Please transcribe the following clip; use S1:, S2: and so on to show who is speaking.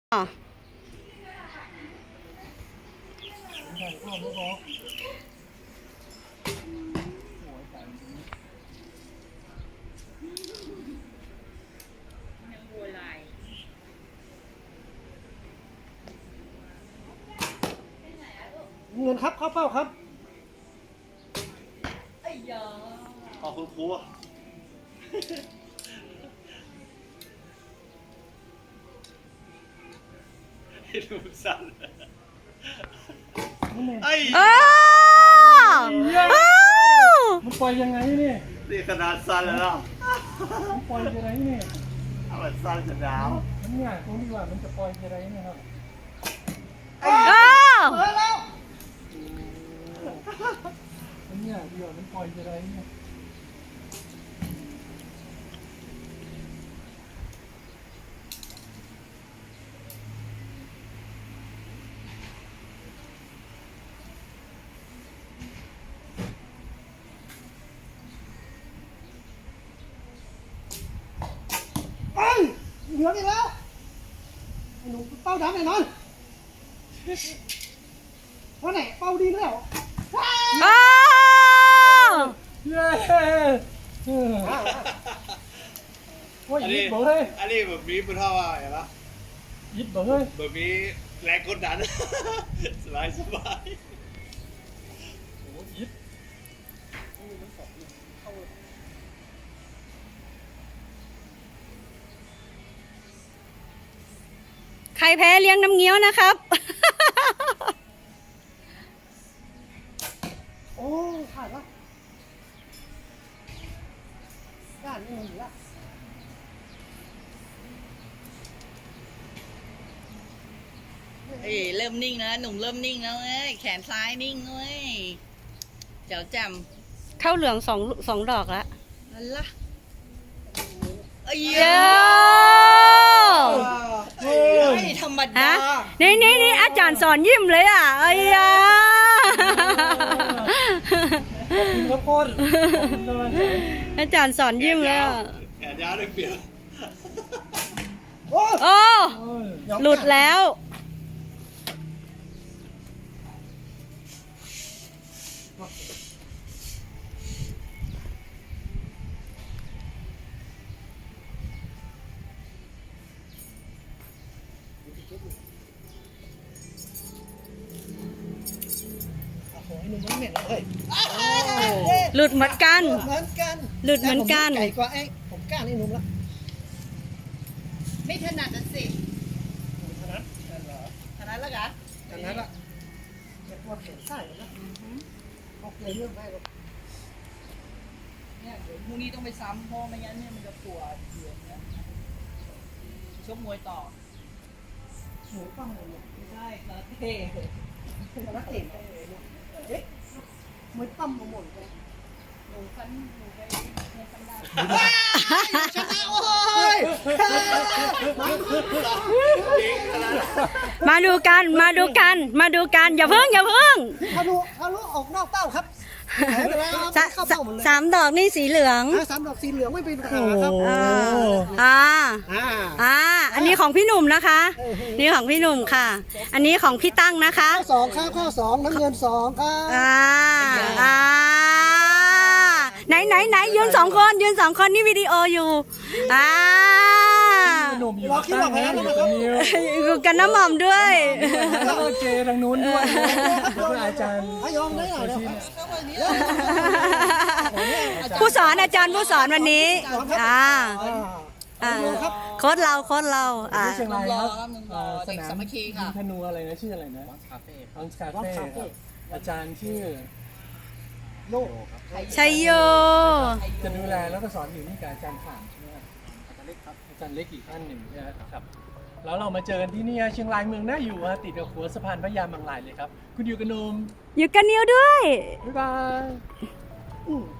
S1: อ๋อ
S2: เงินครับเข้าเป้าครับ
S3: อ๋อคุณครูอ่ะให้ดูสั้นไอ้
S1: เออ
S2: มันปล่อยยังไงเนี่ย
S3: นี่ขนาดสั้นแล้วเนาะ
S2: มันปล่อยยังไงเนี่ย
S3: ถ้ามันสั้นจะหนาว
S2: มันเนี่ยตรงที่ว่ามันจะปล่อยยังไงเนี่ยครับ
S1: เออ
S2: มันเนี่ยเดี๋ยวมันปล่อยยังไงเนี่ยเหลืออีกแล้วไอ้หนูเป้าดำแน่นอนเพราะไหนเป้าดีแล้ว
S1: เออ
S2: เย้โอ้ย
S3: อัน
S2: ยิ
S3: นี้
S2: บบอกเลย
S3: อันนี้แบบมีเป็นเท่าว่าอย่างละ
S2: ยิบบอกเลย
S3: แบบมีแรงกดดัน สบายสบาย
S2: โอ้ยิบ
S1: ใครแพ้เลี้ยงน้ำเงี้ยวนะครับ
S2: โอ้ขาดละด้านนี้มันอยู่ละ
S4: เอ้ยเริ่มนิ่งแล้วหนุ่มเริ่มนิ่งแล้วเอ้ยแขนซ้ายนิ่งเว้ยเจ้าจ
S1: เข้าเหลืองสองดอกแล้ว
S4: ำนั่นล่ะเอ้ย
S1: เย้
S4: ไม่ธรรม
S1: ฮะ
S4: ดา
S1: นี่อาจารย์สอนยิ้มเลยอ่ะเอ้ยอ่ะ
S2: ขอบคุณครับคนขอบคุณกำลังใจ
S1: อาจารย์สอนยิ้มเลยอ่ะ
S3: แขนยาวเลยเปลี่ยน
S2: โอ้
S1: โอ้หลุดแล้ว
S2: โหหนุ่มมันเหม็นเลย
S1: หลุดเหมือนกัน
S2: เหมือนกัน
S1: หลุดเหมือนกัน
S2: ไก่กว่าไอ้ผมกล้านี่หนุ่มละ
S4: ไม่ถนัดนะสิ
S2: ถนัดเหรอ
S4: ถนัดแล้วกัน
S2: ถนัดละแต่พวกเข็นไส้นะออกเลยเรื่องได้หรอก
S4: เนี่ยเดี๋ยวพรุ่งนี้ต้องไปซ้ำเพราะไม่งั้นเนี่ยมันจะปวดเดือดนะชกมวยต่อ
S2: หมูปั้มเลยเนี่ย
S4: ไม่ใช่คาราเต้
S2: แต่ละเต็มเอ๊ะมวยปั้มมาหมดเลย
S4: หนูฟันหนูไปในฟันได้
S2: ชนะโอ้ย
S1: มาดูกันอย่าเพิ่ง
S2: ทะลุออกนอกเป้าครับหายไปแล้วครับเข้าเป้าหมดเลย
S1: สามดอกนี่สีเหลือง
S2: สามดอกสีเหลืองไม่เป็นปัญหาครับ
S1: อ่า
S2: อ่า
S1: อันนี้ของพี่หนุ่มนะคะ นี่ของพี่หนุ่มค่ะ อันนี้ของพี่ตั้งนะคะ
S2: ข้อสองครับข้อสองน้ำเงินสองครับ
S1: อ่าไหนยืนสองคนนี่วิดีโออยู่
S2: เราคิดว่าแพ้แล้วนะครับ
S1: อยู่กันน้ำหม่อมด้วย
S2: แล้วก็เจทางนู้นด้วยแล้วก็อาจารย์พยองได้เหรอ
S1: ผู้สอนอาจารย์ผู้สอนวันนี้โค้ดเรา
S2: ที่เชียงรายครับ
S4: นุ่มรอเด็กสามัคคีค่ะ
S2: ธนูอะไรนะชื่ออะไรนะคาเฟ่อาจารย์ชื่อโลก
S1: ชัยโย
S2: จะดูแลแล้วก็สอนอยู่นี่กับอาจารย์ข่างใช่ไหมครับอาจารย์เล็กครับอาจารย์เล็กอีกท่านหนึ่งนะครับแล้วเรามาเจอกันที่นี่เชียงรายเมืองน่าอยู่ติดกับหัวสะพานพระยาบางลายเลยครับคุณอยู่กับนม
S1: อยู่กันนิวด้วย
S2: บ๊ายบาย